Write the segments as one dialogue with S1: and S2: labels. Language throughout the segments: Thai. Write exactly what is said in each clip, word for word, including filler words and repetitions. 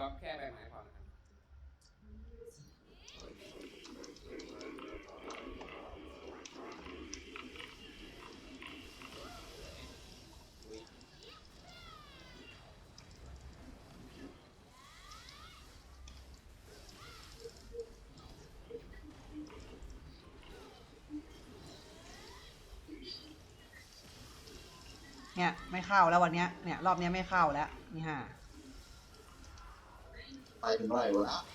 S1: บัฟแค่ใบไม้พอนะครับ
S2: เนี่ยไม่เข้าแล้ววันเนี้ยเนี่ยรอบเนี้ยไม่เข้าแล้วนี่ฮะ
S3: ไปถึงเมื่อไหร่วะ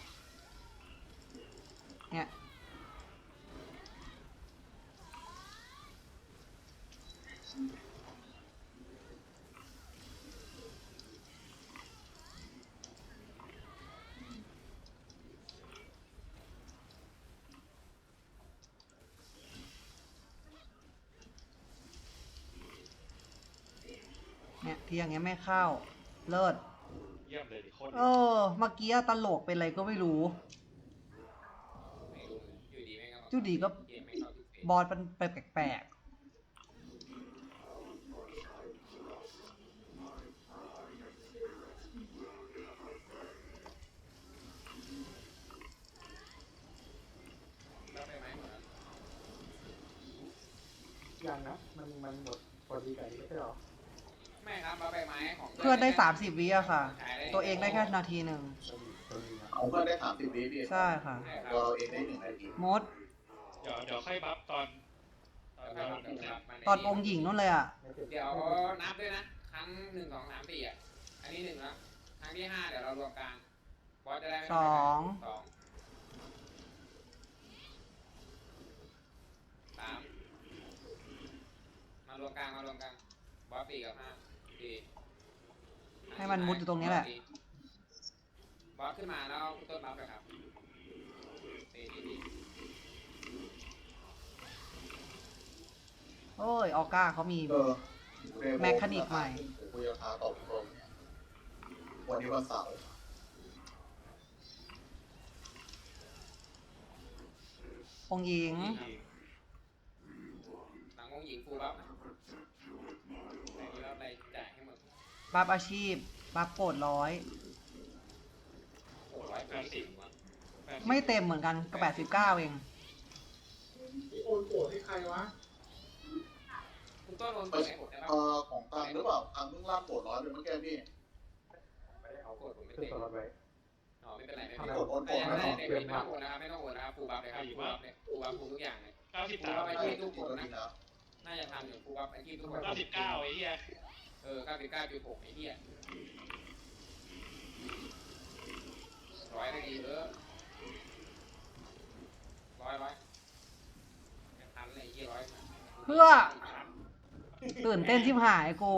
S2: เนี่ยเนี่ยที่อย่างเงี้ยไม่เข้าเลิศ
S4: เยี่ยมเลยดิโคตร
S2: เออเมื่อกี้ตลกเป็นอะไรก็ไม่รู้
S1: ไม่รู้อยู่ดีไม่เข้า
S2: อยู่ดีก็
S1: เกมไม่เข้าทุกเฟส
S2: บอสมันแปลกๆ
S1: แล้วใบไม้หมดแล้ว
S5: ยังนะมันมันหมดพอดีกันไม่ใช่หรอ
S1: ไม่ครับเอาใบไม้ของ
S2: เพื่อนได้สามสิบวิอะค่ะ ตัวเองได้แค่นาทีหนึ่ง
S3: เอาเพื่อนได้สามสิบวิพี่
S2: ใช่ค่ะ
S3: ตัวเราเองได้หนึ่งนาที
S2: มด
S4: เดี๋ยวเดี๋ยวค่อยบัฟตอนตอน
S1: แล้ว
S4: เรา
S1: ก็
S4: เดี๋ยว
S1: มัน
S2: ตอนองค์หญิงนู่นเลยอะ
S1: เดี๋ยวนับด้วยนะครั้งหนึ่งสองสามสี่อ่ะอันนี้หนึ่งแล้วครั้งที่ห้าเดี๋ยวเรารวมกลางบอสจะได้ไม่
S2: สอง
S1: สองสามมารวมกลางมารวมกลางบอสสี่กับห้าสี่
S2: ให้มันมุดอยู่ตรงนี้แหละ
S1: บอสขึ้นมาแล้วต้นบัฟเลยครับสี่สี่สี่
S2: โอ้ย ออก้าเขามี
S3: เออ
S2: แมคคานิกใหม่
S3: คุยกับทาตอบตรงเนี่ยวันนี้วันเสาร์
S2: องค์หญิง
S1: หลังองค์หญิงฟูลบัฟนะแต่นี้บัฟอะไรจ่ายให้หมด
S2: บัฟอาชีพ บัฟโกดร้อย
S1: โอ้ร้อยแปดสิบวะ
S2: ไม่เต็มเหมือนกันก็แปดสิบเก้าเอง
S5: ที่โอนโกรธให้ใครวะ
S1: คุณต้นโอน
S3: เอ
S1: เปิ
S3: อ
S1: ดให้ผมได้ปะ
S3: เออของตังหรือเปล่าตังเพิ่งล่าโกรธร้อยเป็นเมื่อกี้พี่
S5: ไม่ได้เอา
S1: โกดผมไม่
S5: ขึ้น
S1: เต็ม
S5: ตัวรถไว้
S1: อ๋อไม่เป็นไรไม่
S3: ถ้า
S1: เป็นไร
S3: โกรธโอนโกร
S1: แต่
S3: ธ
S1: ยัง
S3: ไม่
S1: ไม่
S3: ต้
S1: ได้
S3: อง
S1: เด็กไม่ต้องโอนนะครับไม่ต้องโอนนะครับฟูลบัฟเลยครับฟูลบัฟเนี่ยฟูลบัฟฟูลทุกอย่างเลย
S4: เก้าสิบ
S1: ฟูล
S4: สาม
S1: บัฟไอ้
S3: ได้
S1: ที่ทุกคน
S3: ตัว
S1: นะ
S3: นี้นะ
S1: น่าจะทำอยู่ฟูลบัฟไอ้ที่ทุกคน
S4: เก้าสิบเก้าไอ้เหี้ย
S1: เออเก้าสิบเก้าจุดหกไอ้เหี้ยร้อยได้ดีเออร้อยร้อยไม่ทันเลยไอ้เหี้ยร้อย
S2: เพื่อ ตื่นเต้นชิบหายกู